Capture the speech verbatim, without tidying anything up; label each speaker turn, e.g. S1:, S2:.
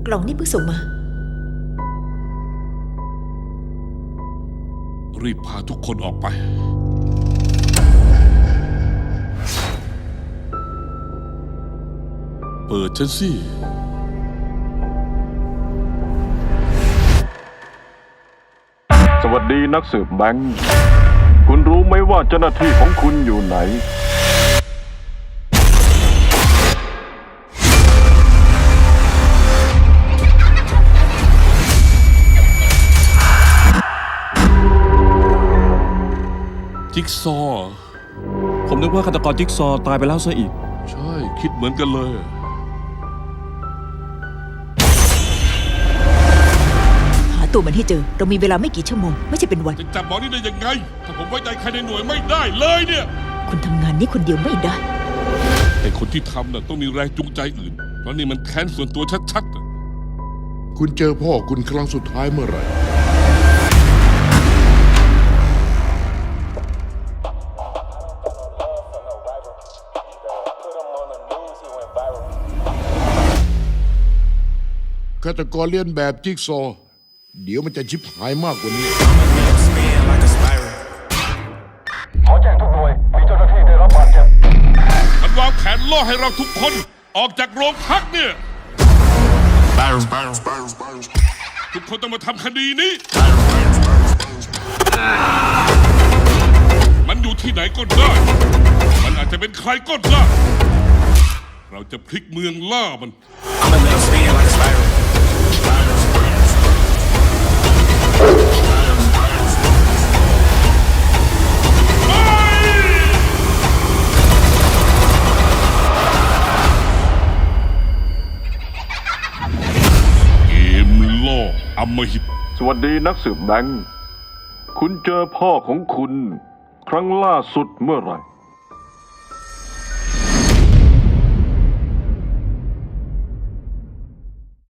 S1: กล่องนี่เพิ่งส่งมา
S2: รีบพาทุกคนออกไปเปิดฉันสิ
S3: สวัสดีนักสืบแบงค์คุณรู้ไหมว่าเจ้าหน้าที่ของคุณอยู่ไหน
S2: จิ๊กซอว์
S4: ผมนึกว่าฆาตกรจิ๊กซอว์ตายไปแล้วซะอีก
S2: ใช่คิดเหมือนกันเลย
S1: หาตัวมันให้เจอเรามีเวลาไม่กี่ชั่วโมงไม่ใช่เป็นวัน
S2: จะจับหมอนี่ได้ยังไงถ้าผมไว้ใจใครในหน่วยไม่ได้เลยเนี่ย
S1: คุณทำงานนี้คนเดียวไม่ได้
S2: ไอ้คนที่ทำน่ะต้องมีแรงจูงใจอื่นเพราะนี่มันแค้นส่วนตัวชัดๆ
S5: คุณเจอพ่อคุณครั้งสุดท้ายเมื่อไหร่ฆาตกรเลียนแบบจิ๊กซอว์เดี๋ยวมันจะชิบหายมากกว่านี้
S3: ขอแจ้งทุกหน่วยมีเจ้าหน้าที่ได้รับบาดเจ็บ
S2: มันวางแผนล่อให้เราทุกคนออกจากโรงพักเนี่ยทุกคนต้องมาทำคดีนี้มันอยู่ที่ไหนก็ได้มันอาจจะเป็นใครก็ได้เราจะพลิกเมืองล่ามันอำมหิต
S3: สวัสดีนักสืบแบงค์คุณเจอพ่อของคุณครั้งล่าสุดเมื่อไหร่